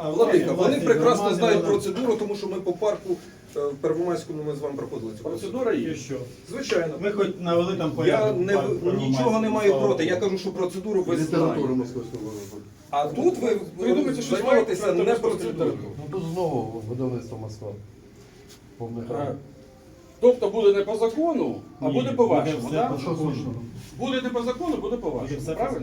Владика, вони прекрасно знають процедуру, тому що ми по парку в Первомайському ми з вами проходили цю Процедура є. Що? Звичайно. Ми хоч навели там Я порядок. нічого не маю проти, я кажу, що процедуру ви знаєте. А тут ви думаєте, що займаєтеся не процедурою. Ну тут знову видавництво Москва. Повний храм. Тобто буде не по закону, а Ні, буде по вашому, буде так? все Що слушно? Буде не по закону, буде по Буде вашому. все Правильно?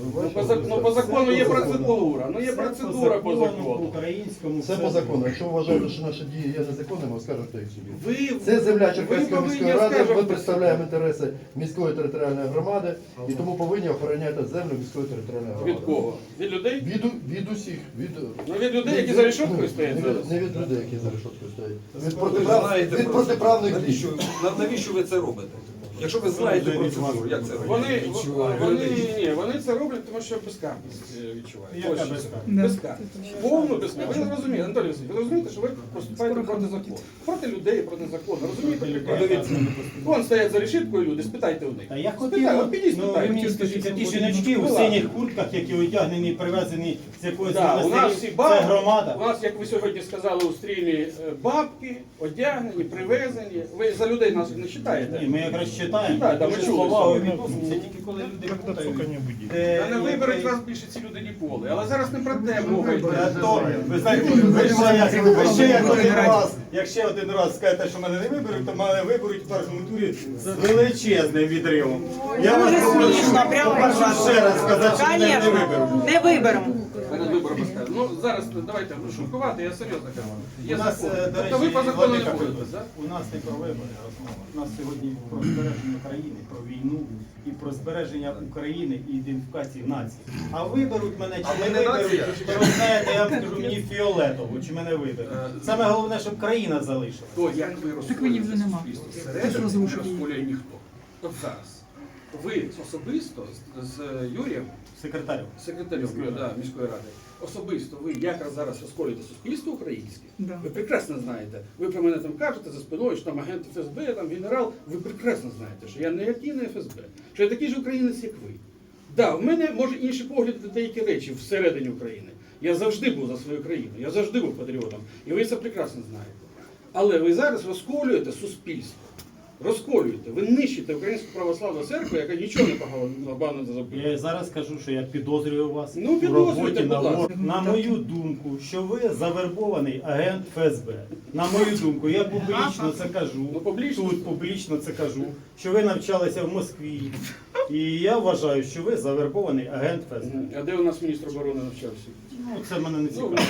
Ну, По закону є Все по закону. процедура. Ну є Все процедура по По закону. українському. Все по закону. Якщо ви вважаєте, що наші дії є незаконними, скажете їх собі. Ви, Це земля ви Черкаської повинні міської ради, ми оскаржувати представляємо інтереси міської територіальної громади і тому повинні охороняти землю міської територіальної громади. від кого? Від людей? Від усіх. Ну від людей, які за решеткою стоять зараз. Не від людей, які за решеткою стоять. Ви знаєте Від процедуру. протиправних дій. Навіщо ви це робите? Якщо ви знаєте процедуру, як це робити? Вони це роблять, тому що безкарність відчувають. Яка Ось що це. безкарність? Безкарність. Повну безкарність. Ви не розумієте, Анатолій Васильович, ви розумієте, що ви поступаєте проти закону. Проти людей, проти закону. Розумієте? Подивіться. Вон стоять за решіткою люди, спитайте у них. Та я Спитайте, хотів, от підіть, ну ви спитайте. мені скажіть, ті жіночки у синіх куртках, які одягнені, привезені з якоїсь Да, у нас всі це бабки, громада. у нас, як ви сьогодні сказали у стрімі, бабки, одягнені, привезені. Ви за людей нас не Ні, вважаєте? ми якраз читаємо, Так, так, ми дуже чули. повагою відносимося, тільки коли люди путають. Та не виберуть вас більше ці люди ніколи. Але зараз не про те мова йде. То, ви знаєте, ви ще як один раз, якщо один раз скажете, що мене не виберуть, то мене виберуть в першому турі з величезним відривом. Я вас Дуже попрошу, смішно, прямо попрошу ще раз сказати, що мене не Конечно, виберуть. не виберемо. Перед виборами скажу. Ну зараз давайте шуткувати, я серйозно кажу. Є У нас, закон. до Тобто ви речі, по закону не Владика будете, Федорович, так? у нас не про вибори розмова. У нас сьогодні про збереження країни, про війну і про збереження України і ідентифікації нації. А виберуть мене А чи ми не не виберуть, нація? то ви знаєте, я вам скажу, мені фіолетово, чи мене виберуть. Саме головне, щоб країна залишилася. То як ви мені вже розколюєте нема. суспільство Ти ж всередині, не розрушив її. розколює ніхто. От зараз. Ви особисто з Юрієм, Секретарю. секретарем міської ради, особисто ви якраз зараз розколюєте суспільство українське. Да. Ви прекрасно знаєте. Ви про мене там кажете за спиною, що там агент ФСБ, там генерал. Ви прекрасно знаєте, що я ніякий не ФСБ, що я такий ж українець, як ви. Да, в мене може інші погляди на деякі речі всередині України. Я завжди був за свою країну, я завжди був патріотом. І ви це прекрасно знаєте. Але ви зараз розколюєте суспільство. Розколюєте, ви нищите Українську православну церкву, яка нічого не погано не зробила. Я зараз скажу, що я підозрюю вас Ну, у підозрюйте, роботі будь на ласка. ворог. На мою думку, що ви завербований агент ФСБ. На мою думку, я публічно це кажу. Ну, публічно. Тут публічно це кажу, що ви навчалися в Москві. І я вважаю, що ви завербований агент ФСБ. А де у нас міністр оборони навчався? Ну, це мене не цікаво.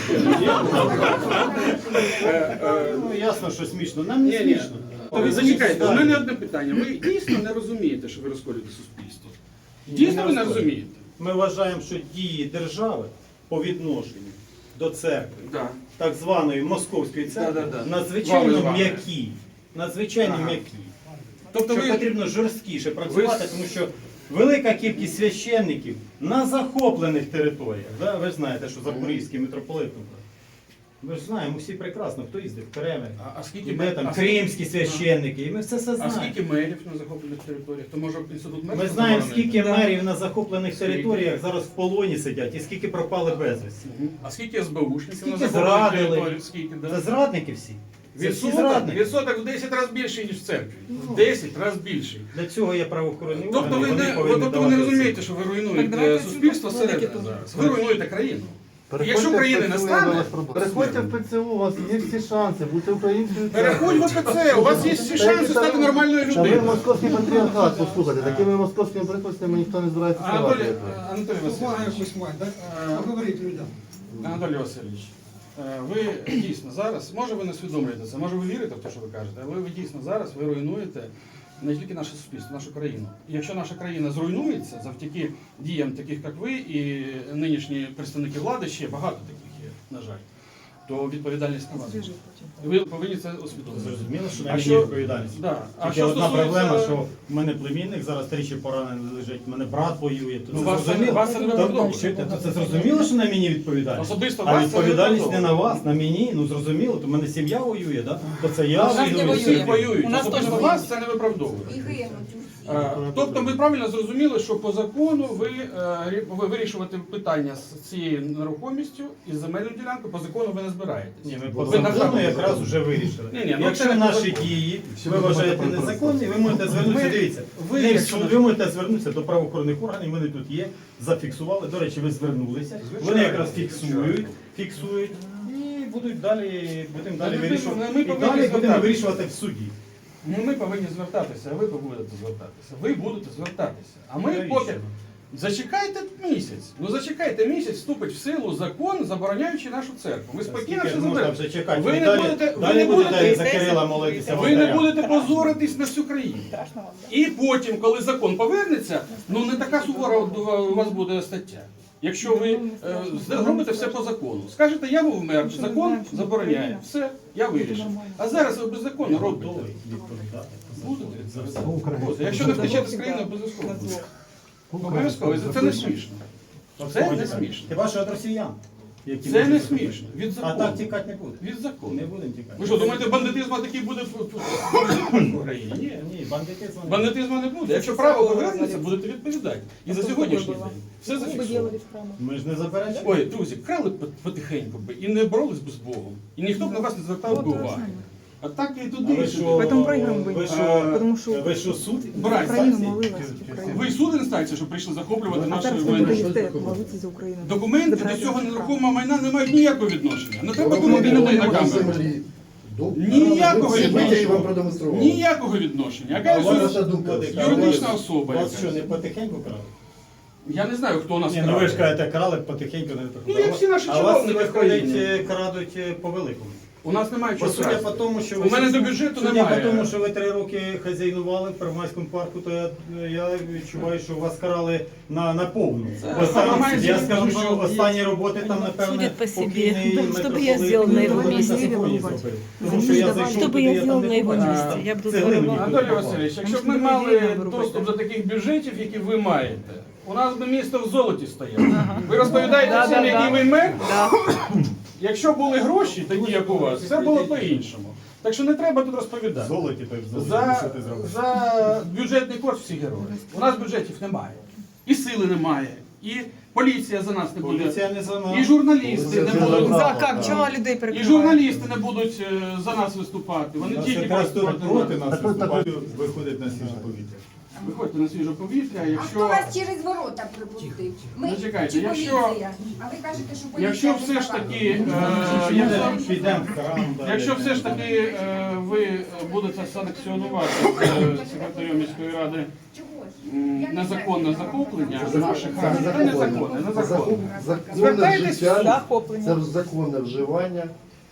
Ну, ясно, що смішно. Нам не Ні. смішно. То ви зачекайте, у мене одне питання. Ви дійсно не розумієте, що ви розколюєте суспільство? Дійсно ви не розумієте? Ми вважаємо, що дії держави по відношенню до церкви, Так. так званої московської церкви, Да-да-да. надзвичайно Вами. м'які. Надзвичайно Ага. м'які. Тобто Що ви потрібно жорсткіше працювати, тому що велика кількість священників на захоплених територіях. Да? Ви ж знаєте, що Запорізький митрополит. Ми ж знаємо всі прекрасно, хто їздив в Кремль. А скільки І ми там а кримські священники, і ми все А знаємо. скільки мерів на захоплених територіях? То може інститут мерів? Ми знаємо, заборонити? скільки мерів на захоплених Скільки? територіях зараз в полоні сидять і скільки пропали безвісті. А скільки СБУшників Скільки на захоплених зрадили? територіях? Скільки, да? Це зрадники всі. Це всі Відсоток, зрадники. відсоток в 10 разів більший, ніж в церкві. В 10 разів більший. Для цього є правоохоронні Тобто органи, ви вони не, повинні тобто ви не давати розумієте, оцінку. що ви Так, руйнуєте давайте суспільство Владики всередині тут. зараз. Ви руйнуєте країну. Якщо Переходьте країни в не ПЦУ, стане, я вас прошу. Переходьте в ПЦУ, у вас є всі шанси, будьте українською. переходь в ОПЦ, у вас є всі шанси стати нормальною Та ви людиною. московський патріархат, послухайте, такими московськими прикладами ніхто не збирається Анатолій, ставати. Анатолій Увага Васильович, якусь мать, так? Поговоріть людям. Анатолій Васильович, ви дійсно зараз, може ви не усвідомлюєте це, може ви вірите в те, що ви кажете, але ви дійсно зараз ви руйнуєте не тільки наше суспільство, нашу країну. І якщо наша країна зруйнується завдяки діям таких, як ви, і нинішні представники влади, ще багато таких є, на жаль, то відповідальність на вас. Ви повинні це усвідомити. Зрозуміло, що на А мені що- відповідальність. Да. А Тільки що одна стосується- проблема, що в мене племінник зараз тричі поранений лежить, в мене брат воює. То Ну, це вас це- зрозуміло. вас це не виправдовує. То це зрозуміло, що на мені відповідальність. Особисто А вас це відповідальність не не на вас, на мені. Ну зрозуміло, то в мене сім'я воює, да? То це я нас не воюю. воює. Всі воюють, У нас особисто теж вас це не виправдовує. Тобто ми правильно зрозуміли, що по закону ви вирішувати питання з цією нерухомістю і з земельною ділянкою, по закону ви не збираєтесь. Ні, ми по Ви на закону жаль, якраз вже вирішили. Ні, ну Якщо це не наші по дії Всі ви документи вважаєте про незаконні, ви можете звернутися, дивіться, ви, не в якщо суд, ви можете звернутися до правоохоронних органів, вони тут є, зафіксували. До речі, ви звернулися, вони якраз фіксують і будемо далі вирішувати. ми І повинні далі будемо звертатися. вирішувати в суді. Ну, ми повинні звертатися, а ви будете звертатися. Ви будете звертатися. А ми Навіщо? поки зачекайте місяць. Ну зачекайте місяць, вступить в силу закон, забороняючи нашу церкву. Ви спокійно Скільки все ж можна заберете. вже чекати? Ви не Далі- будете- ви далі не будете будете- за Кирила молитися. Ви не володарям. будете позоритись на всю країну. І потім, коли закон повернеться, ну не така сувора у вас буде стаття. Якщо ви робите все по закону, скажете, я був мер, закон забороняє, все, я вирішив. А зараз ви беззаконно робите. Готовий відповідати. Будете? За все. Будете. Якщо не втечете з країни, обов'язково. Обов'язково. Це не смішно. Це не смішно. Хіба що від росіян? які Це не можуть смішно. Від А так закону. тікати не буде. Від закону. Не будемо тікати. Ви що, думаєте, бандитизм такий буде в Україні? Ні. Ні, бандитизм. Бандитизму не буде. Якщо право повернеться, будете відповідати. І за сьогоднішній день. Все зафіксовано. Ми ж не заперечуємо. Ой, друзі, крали потихеньку би і не боролись би з Богом. І ніхто б на вас не звертав би уваги. А так і А туди, ви і що, сюди. Поэтому проиграем бы. ви що, Потому что ви що суд? Брать. Украина Інстанції? молилась. Украина. Ви суд інстанція, що прийшли захоплювати А нашу зараз майно. ви даєте молитися за Україну. Документи до Забирайте цього наше право. нерухомого майна не мають ніякого відношення. Не треба Документи думати людей на до камеру. землі. Ніякого Всі витяги відношення. вам продемонстрували. Ніякого відношення. А Яка у вас Ваша думка. юридична особа. Вас якась. що, не потихеньку крали? Я не знаю, хто у нас Ні, ну ви ж крає. кажете, крали потихеньку, не Ну, як всі наші А вас чиновники в виходить, країні. крадуть по великому. У нас немає чого Судя по красти. тому, що У мене до бюджету судя немає. по тому, що ви 3 роки хазяйнували в Первомайському парку, то я відчуваю, що вас карали на повну. Це Ось там, Первомайський я скажу, парк що останні роботи там, напевне, Судять по собі. покійний Щоб митрополит я зробила на його Микола місці. Симфоній зробив. Тому що я зайшов Что бы туди, я я там сделала не на его побачив. месте? Я бы Цеглини здорово. ніхто не Анатолій попав. Васильович, якщо б Тому ми що мали людей нам доступ робити. до таких бюджетів, які ви маєте, у нас би місто в золоті стояло. Ви розповідаєте всім, який ви мер? Якщо були гроші, такі як у вас, все було по-іншому. Так що не треба тут розповідати. Золоті, то й в золоті, За, що ти зробиш? за бюджетний кошт всі герої. У нас бюджетів немає. І сили немає. І поліція за нас не буде. Поліція не за нас. І журналісти не будуть. За как? Чого людей І перекривають? журналісти не будуть за нас виступати. Вони Нас тільки якраз проти тут проти нас. нас виступають, виходить на свіже повітря. Виходьте на свіже повітря, А хто якщо... вас через ворота припустив? Ми Зачекайте, чи якщо- поліція? А ви кажете, що поліція Якщо не все ж забрала. таки, Підемо в храм. далі. якщо все ж таки ви будете санкціонувати секретарем міської ради Чого ж? незаконне захоплення наших храмів, це незаконне, незаконне. Законне Звертайтесь в суд. життя, Захоплення. це законне вживання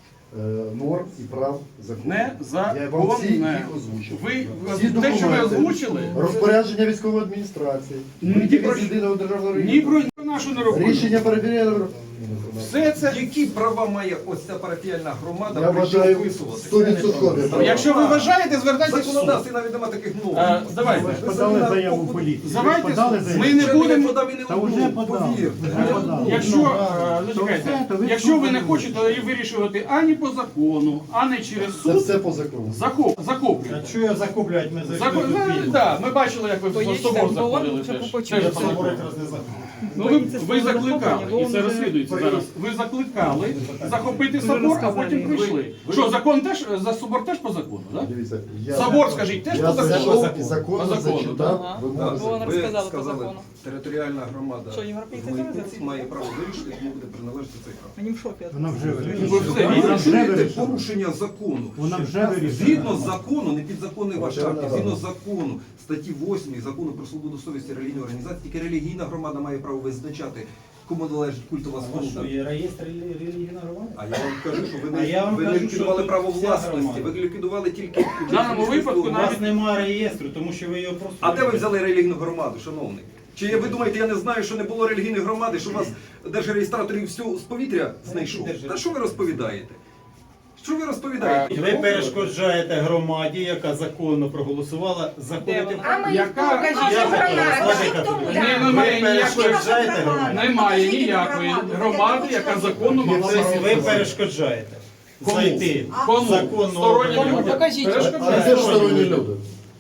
норм і прав закону. Я вам всі Незаконне. їх озвучив. Ви Всі те, що ви документи. озвучили, Розпорядження військової адміністрації, Ні витяги про з що. єдиного державного ні реєстру, про нашу нерухомість. рішення перевірення. Все це. Які права має ось ця парафіальна громада Я прийти вважаю описувати? 100% права. Якщо ви вважаєте, звертайтесь в суд. Законодавстві навіть немає таких норм. Давайте. Подали заяву в поліцію. Давайте, Подали заяву. ми не будемо. подав і не Та вже одну, подав. повірте. Вже подав. Якщо, То зачекайте, все, то ви якщо ви не суд хочете її вирішувати ані по закону, ані через Це суд, все по закону. захоплюйте. А що його захоплюють? Ми зайшли Закон, тут вільно. да, ми бачили, як ви в Боїться, собор бо заходили он теж. хоче Теж Я по собор закону. якраз не захоплюю. Ну, Боїться ви свого закликали, захоплення, і бо це він розслідується вже- зараз. Ви закликали захопити Вже собор, а розказали. потім прийшли. Що, закон теж, за собор теж по закону, так? Дивіться, Собор, скажіть, теж я по закону? зайшов і По законно закону, зачитав да. вимоги. Вона Ви розказала по сказали, закону. територіальна громада Що, європейці в Митниці теж має право вирішити, кому буде приналежати цей храм. Вони в шокі. Вона вже Ви вирішила. все Вона вірите? вже Чуєте вирішила. порушення закону? Вона вже вирішила. Згідно з закону, не підзаконний ваш акт, Вона згідно рада. з закону, статті 8 закону про свободу совісті релігійної організації, тільки релігійна громада має право визначати, кому належить культова А що, споруда. є реєстр релігійної громади? А я вам кажу, що ви А я вам ви не кажу, ліквідували що право тут вся власності, громада. ви ліквідували тільки В даному випадку У навіть- вас немає реєстру, тому що ви його просто... А де ви взяли релігійну громаду, шановний? Чи ви думаєте, я не знаю, що не було релігійної громади, що у вас держреєстратор і все з повітря знайшов? Та що ви розповідаєте? Що ви розповідаєте? Ви перешкоджаєте громаді, яка законно проголосувала, заходити в А ми Яка- покажіть Я громаду. покажу, Покажіть тому, ви так. немає Ви ніякої- перешкоджаєте громаді. Немає Покажіть ніякої громаду. громади, яка законно могла Ви перешкоджаєте Кому? зайти Кому? законно Стороннім людям. людям. Покажіть. А Перешкоджаєте. де ж сторонні люди?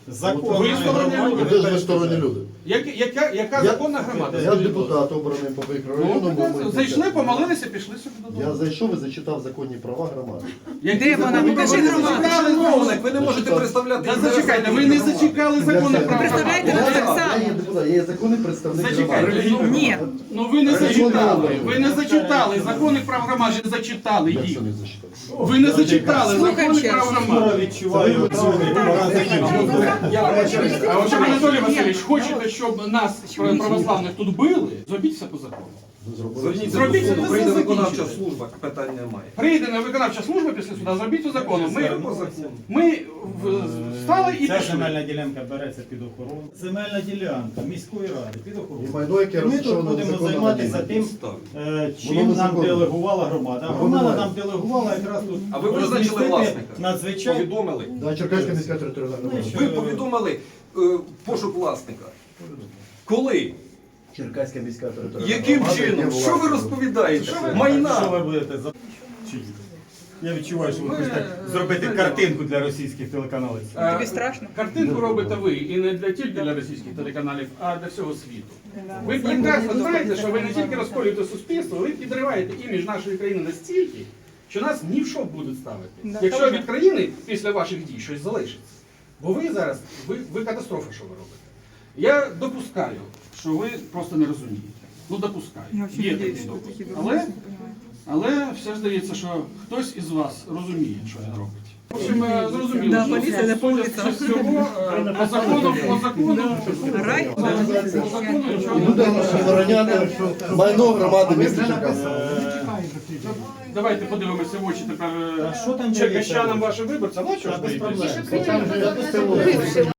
законної Ви сторонні громаді. люди. Ви ж ви сторонні люди. Яка законна громада? Я Скажіть, будь ласка. депутат обраний по Ну, мікрорайону. прекрасно. Зайшли, помолилися, пішли собі додому. Я зайшов і зачитав законні права громади. Де вона? Покажи громаду. Чиновник, ви не можете представляти. Та інтереси зачекайте, ви не громади. зачекали закони про представляєте, громаду. так само. Я є депутат, я є законний представник Зачекайте, громади. Ні. Ну ви не Закон зачитали. добрий. Ви не зачитали закони про громаду, не зачитали Як їх. це не зачитав? Ви не зачитали Слухаємо закони ще про раз. громаду. Скоро відчуваю пора закінчувати. А от Анатолій Васильович, хочете, щоб нас православних тут били? Зробіть все по закону. Зверніться Зробіть до суду, це, прийде це виконавча закінчили. служба, питань немає. Прийде на виконавча служба після суда, зробіть по закону. По закону. Ми встали і Ця пішли. земельна ділянка береться під охорону. Земельна ділянка міської ради під охорону. І майно, яке Ми тут розташоване будемо незаконно займатися на тим, Воно чим нам незаконно. делегувала громада. А Воно громада має. нам делегувала якраз тут А ви визначили розмістити власника? надзвичайно. Повідомили. Да, Черкаська міська територіальна громада. Ви повідомили пошук власника. Коли? Черкаська міська територіальна Яким громада, чином? яке Що ви власне. розповідаєте? Що ви Майна. будете за... Чи- Я відчуваю, що ви хочете зробити картинку для російських телеканалів. Тобі страшно? Картинку робите ви, і не для тільки для російських телеканалів, а для всього світу. Ви прекрасно знаєте, що ви не тільки розколюєте суспільство, ви підриваєте імідж нашої країни настільки, що нас ні в що будуть ставити. Да. Якщо від країни після ваших дій щось залишиться. Бо ви зараз, ви катастрофа, що ви робите. Я допускаю, що ви просто не розумієте. Ну, допускаю. Я взагалі Є надіюсь, такий що допуск. такі Але, дурниці не розуміють. але все ж здається, що хтось із вас розуміє, що він робить. В общем, зрозуміло, Да, що поліція не по вулицям. судячи з цього, по закону, Рай? по закону І нічого будемо охороняти майно громади міста Черкаси. Давайте подивимося в очі тепер А що там черкащанам вашим виборцям. Ну, що ж Без боїтесь? проблем.